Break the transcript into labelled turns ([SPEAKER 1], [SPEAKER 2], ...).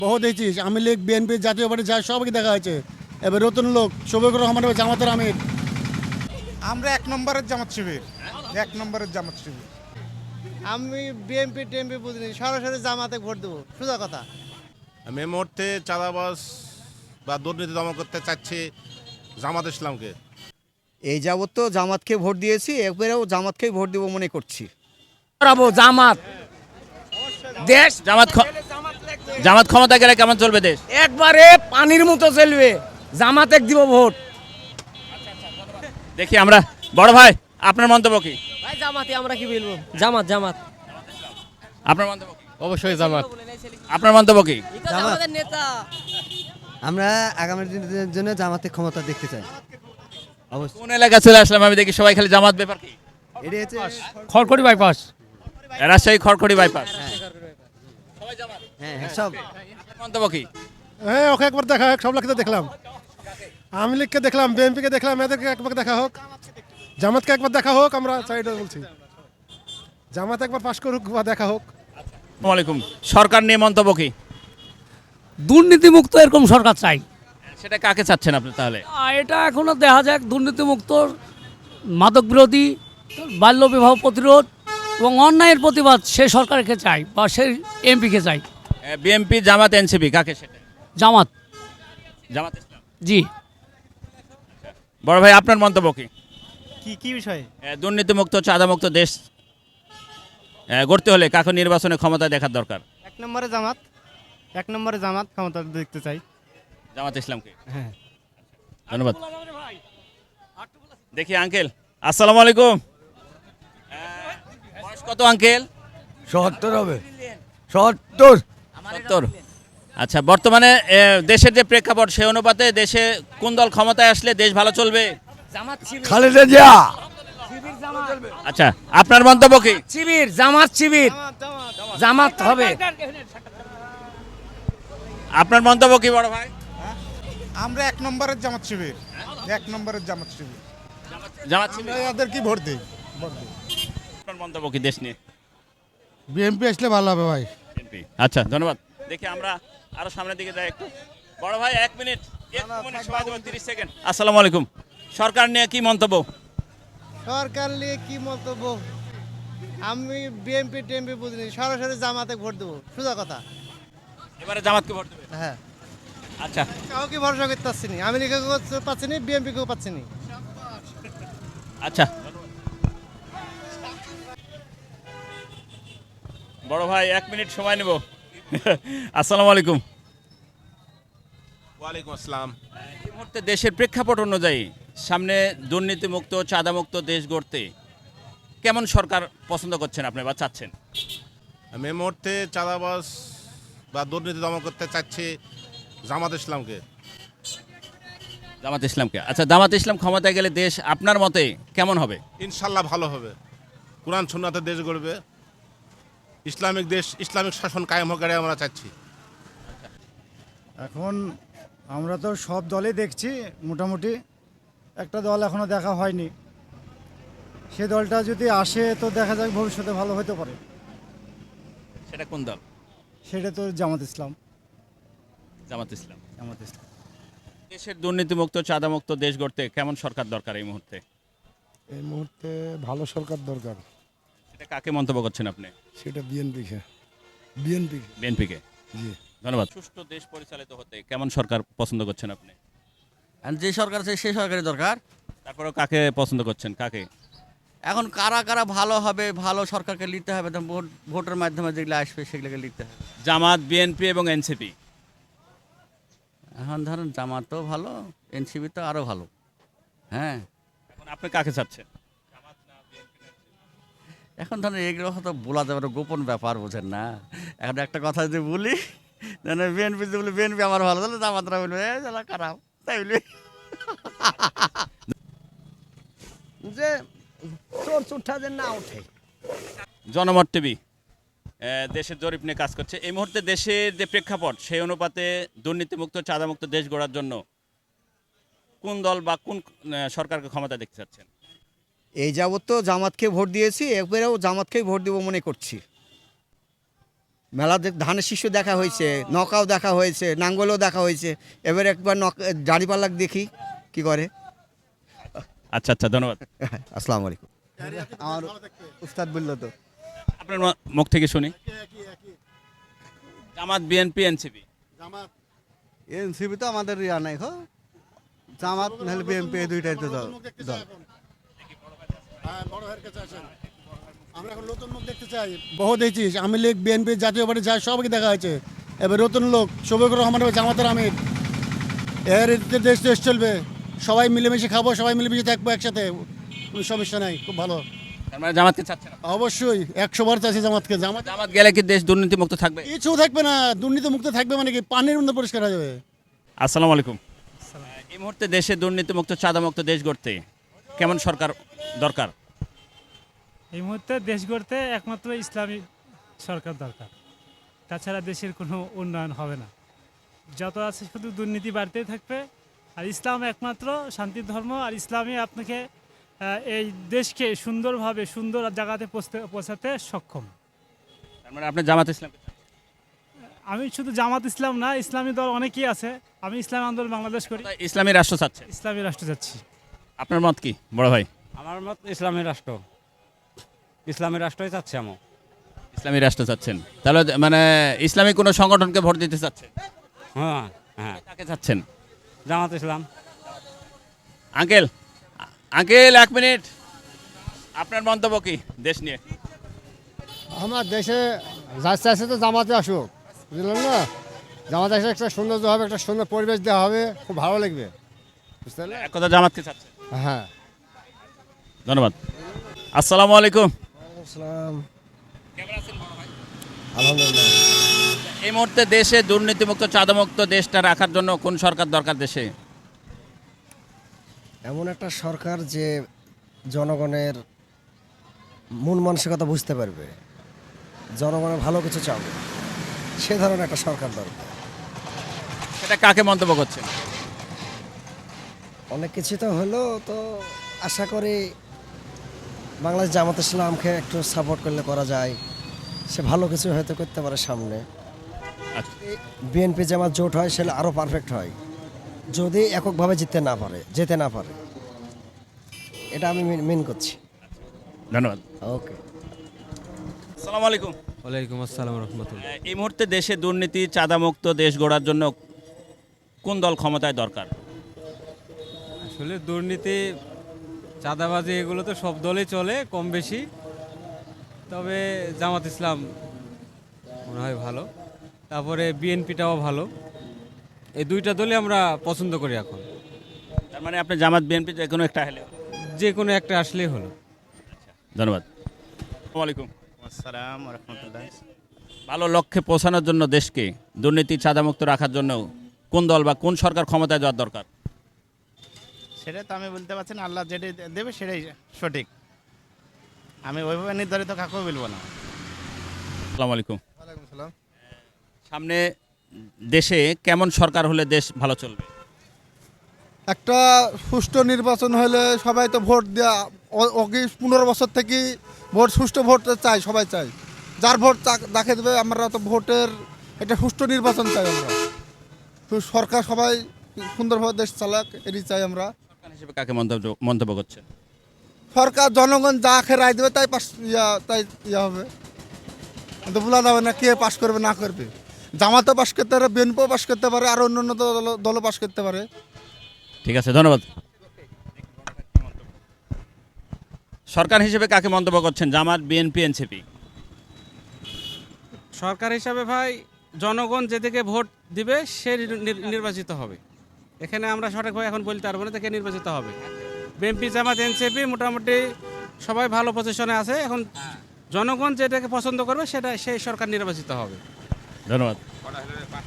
[SPEAKER 1] বহু দেখছিস আমি লীগ বিএনপি জাতীয় পার্টি যা সবাইকে দেখা হয়েছে। এবার নতুন লোক শফিকুর রহমান হবে জামাতের আমির।
[SPEAKER 2] আমরা এক নম্বরের জামাত শিবির, এক নম্বরের জামাত শিবির।
[SPEAKER 3] আমি বিএনপি টিএমপি বুঝিনি, সরাসরি জামাতে ভোট দেবো, সোজা কথা।
[SPEAKER 4] আমি এই মুহূর্তে চাঁদাবাজ বা দুর্নীতি দমন করতে চাচ্ছি জামাত ইসলামকে।
[SPEAKER 5] এই যাবৎ তো জামাতকে ভোট দিয়েছি, এবারেও জামাতকেই ভোট দেবো মনে করছি।
[SPEAKER 6] জামাত দেশ জামাত ক্ষমতা গেলে কেমন চলবে দেশ? একবারে পানির মতো চলবে। জামাতে দিব ভোট। দেখি আমরা বড় ভাই আপনার মন্তব্য কি?
[SPEAKER 3] ভাই জামাতে আমরা কি বলবো, জামাত জামাত।
[SPEAKER 6] আপনার মন্তব্য কি?
[SPEAKER 7] অবশ্যই জামাত।
[SPEAKER 6] আপনার মন্তব্য কি?
[SPEAKER 3] আমাদের নেতা।
[SPEAKER 5] আমরা আগামী দিনের জন্য জামাতে ক্ষমতা দেখতে চাই।
[SPEAKER 6] কোন এলাকা চলে আসলাম আমি দেখি সবাই খালি জামাত ব্যাপার কি?
[SPEAKER 5] এটি হচ্ছে
[SPEAKER 7] খড়খড়ি বাইপাস।
[SPEAKER 6] রাজশাহী খড়খড়ি বাইপাস।
[SPEAKER 5] হ্যাঁ সব।
[SPEAKER 6] আপনার মন্তব্য কি?
[SPEAKER 1] হ্যাঁ ওকে একবার দেখা হোক, সব লোককে দেখলাম। আওয়ামী লীগকে দেখলাম, বিএনপিকে দেখলাম, এদেরকে একবার দেখা হোক, জামাতকে একবার দেখা হোক। আমরা চাইটা বলছি জামাত একবার পাশ করুক বা দেখা হোক।
[SPEAKER 6] আসসালামু আলাইকুম। সরকার নিয়ে মন্তব্য কি?
[SPEAKER 8] দুর্নীতিমুক্ত এরকম সরকার চাই।
[SPEAKER 6] সেটা কাকে চাচ্ছেন আপনি তাহলে?
[SPEAKER 8] এটা এখনো দেখা যাক, দুর্নীতিমুক্ত, মাদক বিরোধী, বাল্য বিবাহ প্রতিরোধ এবং অন্যায়ের প্রতিবাদ সেই সরকারকে চাই বা সেই এমপিকে চাই।
[SPEAKER 6] বিএনপি জামাত এনসিপি কাকে সেটা?
[SPEAKER 8] জামাত।
[SPEAKER 6] জামাত ইসলাম।
[SPEAKER 8] জি।
[SPEAKER 6] বড় ভাই আপনার মন্তব্য কি?
[SPEAKER 3] কি বিষয়?
[SPEAKER 6] দুর্নীতিমুক্ত চাঁদামুক্ত দেশ গড়তে হলে কাকে নির্বাচনে ক্ষমতা দেখার দরকার?
[SPEAKER 3] এক নম্বরে জামাত, এক নম্বরে জামাত ক্ষমতা দেখতে চাই।
[SPEAKER 6] জামাত ইসলামকে।
[SPEAKER 3] হ্যাঁ।
[SPEAKER 6] ধন্যবাদ। দেখি আঙ্কেল আসসালামু আলাইকুম। বয়স কত আঙ্কেল?
[SPEAKER 5] ৭০ হবে। ৭০।
[SPEAKER 6] 70। আচ্ছা বর্তমানে দেশের যে প্রেক্ষাপট সেই অনুপাতে দেশে কোন দল ক্ষমতায় আসলে দেশ ভালো চলবে?
[SPEAKER 5] খালেদা জিয়া।
[SPEAKER 6] আচ্ছা আপনার মন্তব্য কি?
[SPEAKER 8] শিবির, জামাত শিবির, জামাত হবে।
[SPEAKER 6] আপনার মন্তব্য কি বড় ভাই?
[SPEAKER 2] আমরা এক নম্বরের জামাত শিবির, এক নম্বরের জামাত শিবির।
[SPEAKER 6] জামাত শিবির।
[SPEAKER 2] এদের কি ভোট দিই?
[SPEAKER 6] আপনার মন্তব্য কি দেশ নিয়ে?
[SPEAKER 1] বিএনপি আসলে ভালো হবে ভাই।
[SPEAKER 6] বিএনপি। আচ্ছা ধন্যবাদ। দেখি আমরা আরো সামনের দিকে যাই একটু। বড় ভাই 1 মিনিট, 1 মিনিট সময় দেবো, 30 সেকেন্ড। আসসালামু আলাইকুম। সরকার নিয়ে কি মন্তব্য?
[SPEAKER 3] সরকার নিয়ে কি মন্তব্য, আমি বিএনপি টিএমপি বুঝিনি, সরাসরি জামাতে ভোট দেবো, সোজা কথা।
[SPEAKER 6] এবারে জামাতকে ভোট দেবে?
[SPEAKER 3] হ্যাঁ।
[SPEAKER 6] আচ্ছা
[SPEAKER 3] কাউকে ভরসা করতে পারছি না, আমি লিখেও পাচ্ছি না, বিএনপিকেও পাচ্ছি না।
[SPEAKER 6] আচ্ছা বড় ভাই 1 মিনিট সময় নেব। আসসালামু আলাইকুম।
[SPEAKER 4] ওয়ালাইকুম আসসালাম।
[SPEAKER 6] এই মুহূর্তে দেশের প্রেক্ষাপট অনুযায়ী সামনে দুর্নীতিমুক্ত চাঁদামুক্ত দেশ গড়তে কেমন সরকার পছন্দ করছেন আপনি বা চাচ্ছেন?
[SPEAKER 4] আমি এই মুহূর্তে চাঁদাবাজ বা দুর্নীতি দমন করতে চাচ্ছি জামাত ইসলামকে।
[SPEAKER 6] জামাত ইসলামকে। আচ্ছা জামাত ইসলাম ক্ষমতায় গেলে দেশ আপনার মতে কেমন হবে?
[SPEAKER 4] ইনশাল্লাহ ভালো হবে। কোরআন সুন্নাতের দেশ গড়বে, ইসলামিক দেশ, ইসলামিক শাসন কায়েম হোক আমরা চাচ্ছি।
[SPEAKER 9] এখন আমরা তো সব দলই দেখছি, মোটামুটি একটা দল এখনো দেখা হয়নি। সে দলটা যদি আসে তো দেখা যাক ভবিষ্যতে ভালো হতে পারে।
[SPEAKER 6] সেটা কোন দল?
[SPEAKER 9] সেটা তো জামাত ইসলাম।
[SPEAKER 6] জামাত ইসলাম।
[SPEAKER 9] জামাত ইসলাম।
[SPEAKER 6] দেশের দুর্নীতিমুক্ত চাঁদামুক্ত দেশ গড়তে কেমন সরকার দরকার এই মুহূর্তে?
[SPEAKER 1] এই মুহূর্তে ভালো সরকার দরকার।
[SPEAKER 6] এটা কাকে মন্তব্য করছেন আপনি?
[SPEAKER 1] সেটা বিএনপিকে। বিএনপি।
[SPEAKER 6] বিএনপিকে।
[SPEAKER 1] জি।
[SPEAKER 6] ধন্যবাদ। সুষ্ঠু দেশ পরিচালিত হতে কেমন সরকার পছন্দ করছেন আপনি?
[SPEAKER 5] যে সরকার আছে সেই সরকারের দরকার।
[SPEAKER 6] তারপরেও কাকে পছন্দ করছেন? কাকে?
[SPEAKER 5] এখন কারা কারা ভালো হবে, ভালো সরকারকে নিতে হবে, ভোটের মাধ্যমে যেগুলো আসবে সেগুলোকে নিতে হবে।
[SPEAKER 6] জামাত, বিএনপি এবং এনসিপি।
[SPEAKER 5] এখন ধরেন জামাতও ভালো, এনসিপি তো আরও ভালো। হ্যাঁ,
[SPEAKER 6] এখন আপনি কাকে চাচ্ছেন?
[SPEAKER 5] এখন ধরেন এগুলো হয়তো বলা যাবে না, গোপন ব্যাপার, বোঝেন না। এখন একটা কথা যদি বলি, বিএনপি যদি বলি বিএনপি আমার ভালো, তাহলে জামাতরা বলবে খারাপ, তাই বলি যে চোর চুঠা যে না ওঠে।
[SPEAKER 6] জনমত টিভি দেশের জরিপ নিয়ে কাজ করছে। এই মুহূর্তে দেশের যে প্রেক্ষাপট সেই অনুপাতে দুর্নীতিমুক্ত চাঁদামুক্ত দেশ গড়ার জন্য কোন দল বা কোন সরকারকে ক্ষমতা দেখতে চাচ্ছেন?
[SPEAKER 5] এই যাবৎ তো জামাতকে ভোট দিয়েছি, এবারেও জামাতকেই ভোট দেবো মনে করছি।
[SPEAKER 7] মেলা ধানের শীর্ষ দেখা হয়েছে, নৌকাও দেখা হয়েছে, নাঙ্গলও দেখা হয়েছে, এবার একবার দাঁড়িপাল্লাক দেখি কি করে।
[SPEAKER 6] আচ্ছা আচ্ছা, ধন্যবাদ।
[SPEAKER 7] আসসালামু আলাইকুম। আমার উস্তাদ বললো তো।
[SPEAKER 6] আপনার মুখ থেকে শুনি। জামাত, বিএনপি, এনসিপি।
[SPEAKER 3] এনসিপি তো আমাদের ইয়া নাই গো, জামাত নাহলে বিএনপি, এই দুইটাই তো দল।
[SPEAKER 1] আমরা এখন নতুন মুখ দেখতে চাই। বহু দেখছিস, আমি লীগ, বিএনপি, জাতীয় পার্টি যায়, সবাইকে দেখা হয়েছে। এবার নতুন লোক শফিকুর রহমান হবে জামাতের আমির। এর দেশ দেশ চলবে, সবাই মিলেমিশে খাবো, সবাই মিলেমিশে থাকবো একসাথে, কোনো সমস্যা নাই, খুব ভালো।
[SPEAKER 6] তার মানে জামাতকে চাচ্ছেন?
[SPEAKER 1] অবশ্যই 100 বার চাচ্ছি জামাতকে।
[SPEAKER 6] জামাত গেলে কি দেশ দুর্নীতিমুক্ত থাকবে?
[SPEAKER 1] কিছু থাকবে না, দুর্নীতি মুক্ত থাকবে মানে কি, পানির মধ্যে পরিষ্কার হয়ে যাবে।
[SPEAKER 6] আসসালামু আলাইকুম। এই মুহূর্তে দেশে দুর্নীতিমুক্ত, চাঁদামুক্ত দেশ গড়তে কেমন সরকার দরকার?
[SPEAKER 10] এই মুহূর্তে দেশ গড়তে একমাত্র ইসলামী সরকার দরকার, তাছাড়া দেশের কোনো উন্নয়ন হবে না। যত আছে শুধু দুর্নীতি বাড়তেই থাকবে। আর ইসলাম একমাত্র শান্তির ধর্ম, আর ইসলামই আপনাকে এই দেশকে সুন্দরভাবে সুন্দর জায়গাতে পৌঁছাতে সক্ষম।
[SPEAKER 6] তার মানে আপনি জামাত ইসলাম?
[SPEAKER 10] আমি শুধু জামাত ইসলাম না, ইসলামী দল অনেকেই আছে। আমি ইসলামী আন্দোলন বাংলাদেশ করি।
[SPEAKER 6] ইসলামী রাষ্ট্র চাচ্ছে?
[SPEAKER 10] ইসলামী রাষ্ট্র যাচ্ছি।
[SPEAKER 6] আপনার মত কি বড় ভাই?
[SPEAKER 11] আমার মত ইসলামী রাষ্ট্র, ইসলামী রাষ্ট্রই চাচ্ছে। আমি
[SPEAKER 6] ইসলামী রাষ্ট্র চাচ্ছেন? তাহলে মানে ইসলামী কোনো সংগঠনকে ভোট দিতে চাচ্ছেন?
[SPEAKER 11] হ্যাঁ হ্যাঁ।
[SPEAKER 6] কাকে চাচ্ছেন?
[SPEAKER 11] Jamaat Islam.
[SPEAKER 6] Uncle, uncle 1 minute, আপনার মন্তব্য কি দেশ নিয়ে?
[SPEAKER 3] আমার দেশে যাচ্ছে আছে তো জামাতে আসুক, বুঝলেন না? জামাতে আসলে একটা সৌন্দর্য হবে, একটা সুন্দর পরিবেশ দেওয়া হবে, খুব ভালো লাগবে, বুঝতে পারলে?
[SPEAKER 6] এক কথা জামাতকে চাচ্ছেন?
[SPEAKER 3] হ্যাঁ।
[SPEAKER 6] ধন্যবাদ। আসসালামু আলাইকুম।
[SPEAKER 3] কেমন আছেন বড় ভাই? আলহামদুলিল্লাহ।
[SPEAKER 6] এই মুহূর্তে দেশে দুর্নীতিমুক্ত, চাঁদামুক্ত দেশটা রাখার জন্য কোন সরকার দরকার দেশে?
[SPEAKER 3] এমন একটা সরকার যে জনগণের মন মানসিকতা বুঝতে পারবে, জনগণের ভালো কিছু চাবে, সে ধরনের একটা সরকার দরকার।
[SPEAKER 6] সেটা কাকে মন্তব্য করছেন?
[SPEAKER 3] অনেক কিছু তো হলো, তো আশা করি বাংলাদেশ জামাত ইসলামকে একটু সাপোর্ট করলে করা যায়, সে ভালো কিছু হয়তো করতে পারে সামনে।
[SPEAKER 6] আচ্ছা।
[SPEAKER 3] বিএনপি জামাত জোট হয়, সেটা আরও পারফেক্ট হয়, যদি এককভাবে যেতে না পারে। এটা আমি মেন করছি।
[SPEAKER 6] ধন্যবাদ।
[SPEAKER 3] ওকে।
[SPEAKER 6] আসসালামু আলাইকুম।
[SPEAKER 11] ওয়ালাইকুম আসসালাম রহমতুল্লাহ।
[SPEAKER 6] এই মুহূর্তে দেশে দুর্নীতি, চাঁদামুক্ত দেশ গড়ার জন্য কোন দল ক্ষমতায় দরকার?
[SPEAKER 11] আসলে দুর্নীতি, চাঁদাবাজি এগুলো তো সব দলে চলে কম বেশি, তবে জামাত ইসলাম মনে হয় ভালো, তারপরে বিএনপিটাও ভালো। এই দুইটা দলই আমরা পছন্দ করি এখন।
[SPEAKER 6] তার মানে আপনি জামাত, বিএনপি যে কোনো একটা হলে?
[SPEAKER 11] যে কোনো একটা আসলেই হলো।
[SPEAKER 6] ধন্যবাদ। আসসালামু আলাইকুম।
[SPEAKER 2] আসসালাম রহমতুল্লাহ।
[SPEAKER 6] ভালো লক্ষ্যে পৌঁছানোর জন্য দেশকে দুর্নীতি, চাঁদামুক্ত রাখার জন্য কোন দল বা কোন সরকার ক্ষমতায় যাওয়ার দরকার?
[SPEAKER 2] সেটা তো আমি বলতে পারছি না, আল্লাহ যেটাই দেবে সেটাই সঠিক। আমি ওইভাবে নির্ধারিত কাকেও বলবো না।
[SPEAKER 6] আসসালামু আলাইকুম। সামনে দেশে কেমন সরকার হলে দেশ ভালো চলবে?
[SPEAKER 3] একটা সুষ্ঠু নির্বাচন হলে সবাই তো ভোট দেওয়া, 15 বছর থেকে সুষ্ঠু ভোট চাই, সবাই চাই। যার ভোট যাকে দেবে, আমরা তো ভোটের একটা সুষ্ঠু নির্বাচন চাই। আমরা সরকার সবাই সুন্দরভাবে দেশ চালাক, এটি চাই আমরা।
[SPEAKER 6] সরকার হিসেবে কাকে মন্তব্য করছেন?
[SPEAKER 3] সরকার জনগণ যা রায় দেবে তাই তাই হবে, কিন্তু বলা যাবে না কে পাশ করবে না করবে। জামাতও পাশ করতে পারে, বিএনপিও পাশ করতে পারে, আর অন্য অন্য দলও পাশ করতে পারে।
[SPEAKER 6] ঠিক আছে, ধন্যবাদ। সরকার হিসেবে কাকে মন্তব্য করছেন? জামাত, বিএনপি, এনসিপি?
[SPEAKER 11] সরকার হিসাবে ভাই, জনগণ যেদিকে ভোট দিবে সে নির্বাচিত হবে। এখানে আমরা সঠিকভাবে এখন বলতে পারবো না থেকে নির্বাচিত হবে। বিএনপি, জামাত, এনসিপি মোটামুটি সবাই ভালো পজিশনে আছে। এখন জনগণ যেটাকে পছন্দ করবে সেই সরকার নির্বাচিত হবে।
[SPEAKER 6] ধন্যবাদ।